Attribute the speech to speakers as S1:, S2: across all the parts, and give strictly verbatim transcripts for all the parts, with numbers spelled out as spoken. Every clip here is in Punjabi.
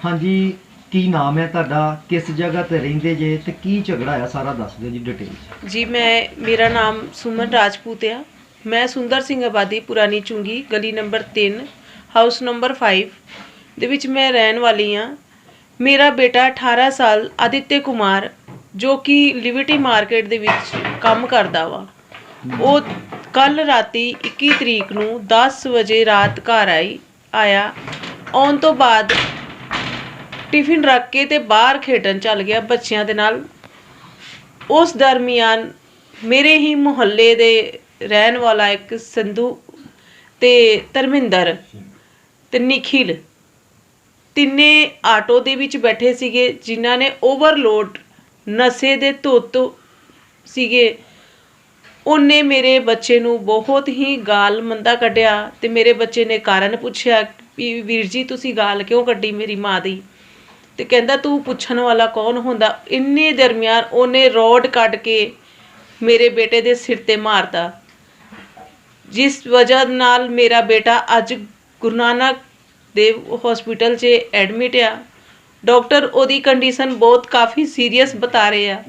S1: हाँ जी, की नाम है तुहाडा, किस जगह ते रहिंदे जे ते की झगड़ा है सारा दस दिओ जी डिटेल।
S2: जी मैं मेरा नाम सुमन राजपूत है। मैं सुंदर सिंह आबादी पुरानी चुंगी गली नंबर तीन हाउस नंबर फाइव ਦੇ ਵਿੱਚ ਮੈਂ ਰਹਿਣ ਵਾਲੀ ਹਾਂ। ਮੇਰਾ ਬੇਟਾ ਅਠਾਰਾਂ ਸਾਲ ਆਦਿत्य ਕੁਮਾਰ ਜੋ ਕਿ ਲਿਬਰਟੀ ਮਾਰਕੀਟ ਦੇ ਵਿੱਚ ਕੰਮ ਕਰਦਾ ਵਾ, ਉਹ ਕੱਲ ਰਾਤੀ ਇੱਕੀ ਤਰੀਕ ਨੂੰ ਦਸ ਵਜੇ ਰਾਤ ਘਰ ਆਈ ਆਇਆ ਆਉਣ ਤੋਂ ਬਾਅਦ ਟਿਫਿਨ ਰੱਖ ਕੇ ਤੇ ਬਾਹਰ ਖੇਡਣ ਚੱਲ ਗਿਆ ਬੱਚਿਆਂ ਦੇ ਨਾਲ। ਉਸ ਦਰਮਿਆਨ ਮੇਰੇ ਹੀ ਮੁਹੱਲੇ ਦੇ ਰਹਿਣ ਵਾਲਾ ਇੱਕ ਸੰਧੂ ਤੇ ਧਰਮਿੰਦਰ ਤੇ ਨਿਖਿਲ ਤਿੰਨੇ ਆਟੋ ਦੇ ਵਿੱਚ ਬੈਠੇ ਸੀਗੇ, ਜਿਨ੍ਹਾਂ ਨੇ ਓਵਰਲੋਡ ਨਸ਼ੇ ਦੇ ਧੁੱਤ ਸੀਗੇ। ਉਹਨੇ ਮੇਰੇ ਬੱਚੇ ਨੂੰ ਬਹੁਤ ਹੀ ਗਾਲ ਮੰਦਾ ਕੱਢਿਆ ਤੇ ਮੇਰੇ ਬੱਚੇ ਨੇ ਕਾਰਨ ਪੁੱਛਿਆ ਵੀ ਵੀਰ ਜੀ ਤੁਸੀਂ ਗਾਲ ਕਿਉਂ ਕੱਢੀ ਮੇਰੀ ਮਾਂ ਦੀ, ਤੇ ਕਹਿੰਦਾ ਤੂੰ ਪੁੱਛਣ ਵਾਲਾ ਕੌਣ ਹੁੰਦਾ। ਇੰਨੇ ਦਰਮਿਆਨ ਉਹਨੇ ਰੋਡ ਕੱਢ ਕੇ ਮੇਰੇ ਬੇਟੇ ਦੇ ਸਿਰ ਤੇ ਮਾਰਤਾ, ਜਿਸ ਵਜ੍ਹਾ ਨਾਲ ਮੇਰਾ ਬੇਟਾ ਅੱਜ ਗੁਰੂ ਨਾਨਕ ਦੇਵ ਹਸਪੀਟਲ 'ਚ ਐਡਮਿਟ ਆ। ਡਾਕਟਰ ਉਹਦੀ ਕੰਡੀਸ਼ਨ ਬਹੁਤ ਕਾਫੀ ਸੀਰੀਅਸ ਬਤਾ ਰਹੇ ਆ।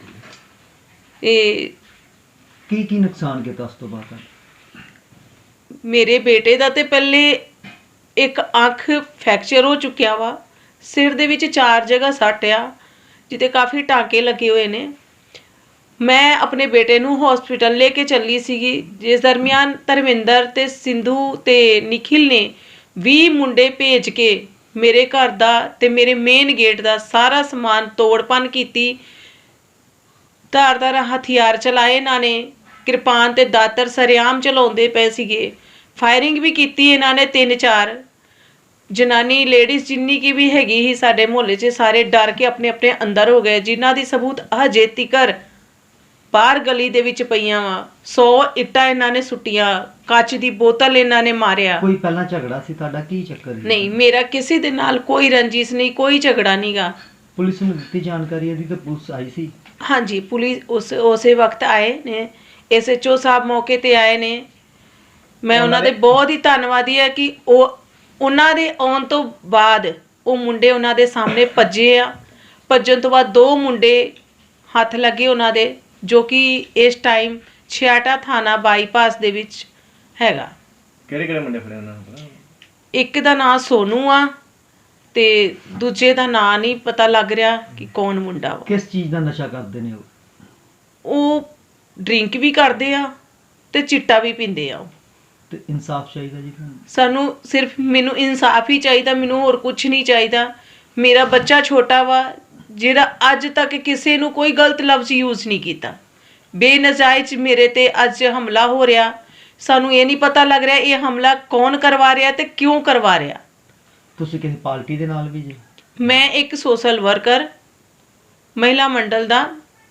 S2: ਇਹ
S1: ਕੀ ਕੀ ਨੁਕਸਾਨ ਕੀਤਾ ਉਸ ਤੋਂ ਬਾਅਦ?
S2: ਮੇਰੇ ਬੇਟੇ ਦਾ ਤੇ ਪਹਿਲੇ ਇੱਕ ਅੱਖ ਫ੍ਰੈਕਚਰ ਹੋ ਚੁੱਕਿਆ ਵਾ, ਸਿਰ ਦੇ ਵਿੱਚ ਚਾਰ ਜਗ੍ਹਾ ਸੱਟ ਆ ਜਿੱਤੇ ਕਾਫੀ ਟਾਂਕੇ ਲੱਗੇ ਹੋਏ ਨੇ। ਮੈਂ ਆਪਣੇ ਬੇਟੇ ਨੂੰ ਹਸਪੀਟਲ ਲੈ ਕੇ ਚੱਲੀ ਸੀਗੀ, ਜਿਸ ਦਰਮਿਆਨ ਧਰਮਿੰਦਰ ਤੇ ਸਿੰਧੂ ਤੇ ਨਿਖਿਲ ਨੇ ਵੀਹ ਮੁੰਡੇ ਭੇਜ ਕੇ ਮੇਰੇ ਘਰ ਦਾ ਤੇ ਮੇਰੇ ਮੇਨ ਗੇਟ ਦਾ ਸਾਰਾ ਸਮਾਨ ਤੋੜ ਭੰਨ ਕੀਤੀ। ਧਾਰਦਾਰ ਹਥਿਆਰ ਚਲਾਏ ਇਹਨਾਂ ਨੇ, ਕਿਰਪਾਨ ਤੇ ਦਾਤਰ ਸਰਿਆਮ ਚਲਾਉਂਦੇ ਪਏ ਸੀਗੇ। ਫਾਇਰਿੰਗ ਵੀ ਕੀਤੀ ਇਹਨਾਂ ਨੇ ਤਿੰਨ ਚਾਰ। ਜਨਾਨੀ ਲੇਡੀਜ਼ ਜਿੰਨੀ ਕੀ ਵੀ ਹੈਗੀ ਸੀ ਸਾਡੇ ਮੁਹੱਲੇ 'ਚ ਸਾਰੇ ਡਰ ਕੇ ਆਪਣੇ ਆਪਣੇ ਅੰਦਰ ਹੋ ਗਏ, ਜਿਨ੍ਹਾਂ ਦੀ ਸਬੂਤ ਹਜੇ ਤੀਕਰ ਬਾਹਰ ਗਲੀ ਦੇ ਵਿੱਚ ਪਈਆਂ ਵਾ। ਸੌ ਇੱਟਾਂ ਇਹਨਾਂ ਨੇ ਸੁੱਟੀਆਂ, ਕੱਚ ਦੀ ਬੋਤਲ ਇਹਨਾਂ ਨੇ ਮਾਰਿਆ।
S1: ਕੋਈ ਪਹਿਲਾਂ ਝਗੜਾ ਸੀ ਤੁਹਾਡਾ, ਕੀ ਚੱਕਰ ਸੀ?
S2: ਨਹੀਂ, ਮੇਰਾ ਕਿਸੇ ਦੇ ਨਾਲ ਕੋਈ ਰੰਜਿਸ਼ ਨਹੀਂ, ਕੋਈ ਝਗੜਾ ਨਹੀਂਗਾ।
S1: ਪੁਲਿਸ ਨੂੰ ਦਿੱਤੀ ਜਾਣਕਾਰੀ ਇਹਦੀ ਤੇ ਪੁਲਿਸ ਆਈ ਸੀ?
S2: ਹਾਂਜੀ, ਪੁਲਿਸ ਉਸ ਉਸੇ ਵਕਤ ਆਏ ਨੇ, ਐਸ ਐਚ ਓ ਸਾਹਿਬ ਮੌਕੇ ਤੇ ਆਏ ਨੇ। ਮੈਂ ਉਹਨਾਂ ਦੇ ਬਹੁਤ ਹੀ ਧੰਨਵਾਦੀ ਆ ਕਿ ਉਹ ਉਹਨਾਂ ਦੇ ਆਉਣ ਤੋਂ ਬਾਅਦ ਉਹ ਮੁੰਡੇ ਉਹਨਾਂ ਦੇ ਸਾਹਮਣੇ ਭੱਜੇ ਆ। ਭੱਜਣ ਤੋਂ ਬਾਅਦ ਦੋ ਮੁੰਡੇ ਹੱਥ ਲੱਗੇ ਉਹਨਾਂ ਦੇ, ਜੋ ਕਿ ਇਸ ਟਾਈਮ ਛਿਆਟਾ ਥਾਣਾ ਬਾਈਪਾਸ ਦੇ ਵਿੱਚ ਹੈਗਾ।
S3: ਕਿਹੜੇ ਕਿਹੜੇ ਮੁੰਡੇ ਫੜੇ ਉਹਨਾਂ ਨੂੰ?
S2: ਇੱਕ ਦਾ ਨਾਂ ਸੋਨੂ ਆ ਤੇ ਦੂਜੇ ਦਾ ਨਾਂ ਨਹੀਂ ਪਤਾ ਲੱਗ ਰਿਹਾ ਕਿ ਕੌਣ ਮੁੰਡਾ ਵਾ।
S1: ਕਿਸ ਚੀਜ਼ ਦਾ ਨਸ਼ਾ ਕਰਦੇ ਨੇ ਉਹ?
S2: ਉਹ ਡਰਿੰਕ ਵੀ ਕਰਦੇ ਆ ਤੇ ਚਿੱਟਾ ਵੀ ਪੀਂਦੇ ਆ।
S1: ਤੇ ਇਨਸਾਫ ਚਾਹੀਦਾ ਜੀ ਤੁਹਾਨੂੰ?
S2: ਸਾਨੂੰ ਸਿਰਫ ਮੈਨੂੰ ਇਨਸਾਫ ਹੀ ਚਾਹੀਦਾ, ਮੈਨੂੰ ਹੋਰ ਕੁਝ ਨਹੀਂ ਚਾਹੀਦਾ। ਮੇਰਾ ਬੱਚਾ ਛੋਟਾ ਵਾ ਜਿਹੜਾ ਅੱਜ ਤੱਕ ਕਿਸੇ ਨੂੰ ਕੋਈ ਗਲਤ ਲਫ਼ਜ਼ ਯੂਜ਼ ਨਹੀਂ ਕੀਤਾ। ਬੇਨਜਾਇਜ਼ ਮੇਰੇ ਤੇ ਅੱਜ ਹਮਲਾ ਹੋ ਰਿਹਾ, ਸਾਨੂੰ ਇਹ ਨਹੀਂ ਪਤਾ ਲੱਗ ਰਿਹਾ ਇਹ ਹਮਲਾ ਕੌਣ ਕਰਵਾ ਰਿਹਾ ਤੇ ਕਿਉਂ ਕਰਵਾ ਰਿਹਾ।
S1: ਤੁਸੀਂ ਕਿਸੇ ਪਾਰਟੀ ਦੇ ਨਾਲ ਵੀ ਜੀ?
S2: ਮੈਂ ਇੱਕ ਸੋਸ਼ਲ ਵਰਕਰ ਮਹਿਲਾ ਮੰਡਲ ਦਾ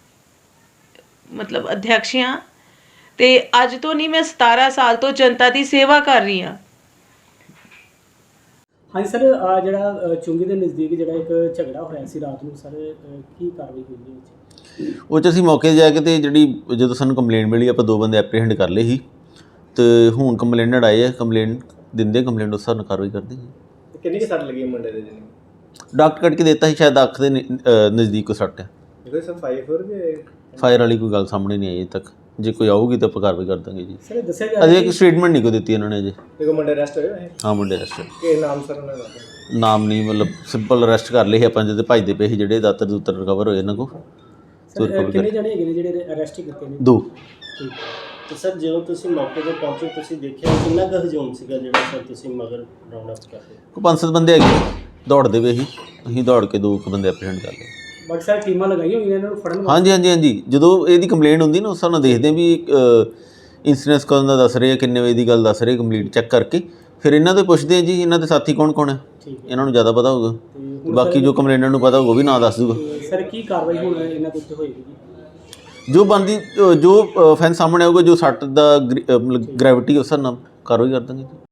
S2: ਮਤਲਬ ਅਧਿਅਕਸ਼ ਹਾਂ ਤੇ ਅੱਜ ਤੋਂ ਨਹੀਂ, ਮੈਂ ਸਤਾਰਾਂ ਸਾਲ ਤੋਂ ਜਨਤਾ ਦੀ ਸੇਵਾ ਕਰ ਰਹੀ ਹਾਂ।
S4: ਹਾਂਜੀ ਸਰ, ਆ ਜਿਹੜਾ ਚੁੰਗੀ ਦੇ ਨਜ਼ਦੀਕ ਜਿਹੜਾ ਇੱਕ ਝਗੜਾ ਹੋਇਆ ਸੀ ਰਾਤ ਨੂੰ, ਸਰ ਕੀ ਕਾਰਵਾਈ ਹੋਈ ਹੈ?
S5: ਉਹ 'ਚ ਅਸੀਂ ਮੌਕੇ 'ਤੇ ਜਾ ਕੇ ਤੇ ਜਿਹੜੀ ਜਦੋਂ ਸਾਨੂੰ ਕੰਪਲੇਂਟ ਮਿਲੀ ਆਪਾਂ ਦੋ ਬੰਦੇ ਐਪਰੀਹੈਂਡ ਕਰ ਲਏ ਸੀ ਤੇ ਹੁਣ ਕੰਪਲੇਨਡ ਆਏ ਆ, ਕੰਪਲੇਂਟ ਦਿੰਦੇ ਕੰਪਲੇਂਟ ਉਸ ਹਿਸਾਬ ਨਾਲ ਕਾਰਵਾਈ ਕਰਦੇ ਜੀ।
S3: ਕਿੰਨੀ ਕੁ ਸੱਟ ਲੱਗੀ ਮੁੰਡੇ ਦੇ? ਜਿਹਨੇ
S5: ਡਾਕਟਰ ਕੱਢ ਕੇ ਦਿੱਤਾ ਸੀ, ਸ਼ਾਇਦ ਅੱਖ ਦੇ ਨਜ਼ਦੀਕ ਕੋ ਸੱਟ ਹੈ।
S3: ਇਹਦੇ ਸਭ ਫਾਈਵ ਹੋਰ ਵੀ
S5: ਫਾਇਰ ਵਾਲੀ ਕੋਈ ਗੱਲ ਸਾਹਮਣੇ ਨਹੀਂ ਆਈ ਅਜੇ ਤੱਕ, ਜੇ ਕੋਈ ਆਊਗੀ ਤਾਂ ਆਪਾਂ ਕਾਰਵਾਈ ਕਰ ਦਾਂਗੇ ਜੀ।
S4: ਸਰ ਦੱਸਿਆ ਜਾ
S5: ਅਜੇ ਇੱਕ ਸਟੇਟਮੈਂਟ ਨਹੀਂ ਕੋਈ ਦਿੱਤੀ ਇਹਨਾਂ ਨੇ ਅਜੇ।
S3: ਇੱਕ ਮੁੰਡੇ ਅਰੈਸਟ ਹੋਏ ਹੋਏ?
S5: ਹਾਂ, ਮੁੰਡੇ ਅਰੈਸਟ।
S3: ਕੀ ਨਾਮ ਸਰ ਉਹਨਾਂ ਦਾ?
S5: ਨਾਮ ਨਹੀਂ, ਮਤਲਬ ਸਿੰਪਲ ਅਰੈਸਟ ਕਰ ਲਏ ਸੀ ਆਪਾਂ, ਜਦੋਂ ਭੱਜਦੇ ਪਏ ਸੀ ਜਿਹੜੇ ਦਾਤਰ ਦੂਤਰ ਰਿਕਵਰ ਹੋਏ ਇਹਨਾਂ ਕੋਲ।
S4: ਸਰ ਕਿੰਨੇ ਜਣੇ ਹੈਗੇ ਨੇ ਜਿਹੜੇ ਅਰੈਸਟ ਕੀਤੇ ਨੇ?
S5: ਦੋ।
S4: ਠੀਕ।
S6: ਤੇ ਸਰ ਜਦੋਂ ਤੁਸੀਂ ਮੌਕੇ 'ਤੇ ਪਹੁੰਚੇ ਤੁਸੀਂ ਦੇਖਿਆ ਕਿੰਨਾ ਕੁ ਹਜੂਮ ਸੀਗਾ ਜਿਹੜਾ ਸਰ ਤੁਸੀਂ ਮਗਰ ਰਾਉਂਡ ਅਪ ਕਰਦੇ?
S5: ਕੋਈ ਪੰਜ ਸੱਤ ਬੰਦੇ ਹੈਗੇ ਦੌੜਦੇ ਪਏ ਸੀ, ਅਸੀਂ ਦੌੜ ਕੇ ਦੋ ਕੁ ਬੰਦੇ ਐਪਰੀਹੈਂਡ ਕਰ ਲਏ।
S4: ਬਾਕੀ ਸਾਰੇ ਟੀਮਾਂ ਲਗਾਈਆਂ ਹੋਈਆਂ ਇਹਨਾਂ ਨੂੰ ਫੜਨ ਵਾਸਤੇ?
S5: ਹਾਂਜੀ ਹਾਂਜੀ ਹਾਂਜੀ, ਜਦੋਂ ਇਹਦੀ ਕੰਪਲੇਂਟ ਹੁੰਦੀ ਨਾ ਉਸ ਹਿਸਾਬ ਨਾਲ ਦੇਖਦੇ ਵੀ ਇੰਸੀਡੈਂਸ ਕਦੋਂ ਦਾ ਦੱਸ ਰਹੇ ਆ, ਕਿੰਨੇ ਵਜੇ ਦੀ ਗੱਲ ਦੱਸ ਰਹੇ, ਕੰਪਲੀਟ ਚੈੱਕ ਕਰਕੇ ਫਿਰ ਇਹਨਾਂ ਤੋਂ ਪੁੱਛਦੇ ਆ ਜੀ ਇਹਨਾਂ ਦੇ ਸਾਥੀ ਕੌਣ ਕੌਣ ਹੈ, ਇਹਨਾਂ ਨੂੰ ਜ਼ਿਆਦਾ ਪਤਾ ਹੋਊਗਾ। ਬਾਕੀ ਜੋ ਕੰਪਲੇਂਟਰ ਨੂੰ ਪਤਾ ਹੋਊਗਾ ਉਹ ਵੀ ਨਾਂ ਦੱਸ ਦੂਗਾ।
S4: ਸਰ ਕੀ ਕਾਰਵਾਈ ਹੁਣ ਇਹਨਾਂ ਦੇ ਉੱਤੇ ਹੋਏਗੀ?
S5: ਜੋ ਬਣਦੀ ਜੋ ਫੈਨ ਸਾਹਮਣੇ ਆਊਗਾ, ਜੋ ਸੱਟ ਦਾ ਮਤਲਬ ਗ੍ਰੈਵਿਟੀ ਉਸ ਹਿਸਾਬ ਨਾਲ ਕਾਰਵਾਈ ਕਰ ਦਾਂਗੇ ਜੀ।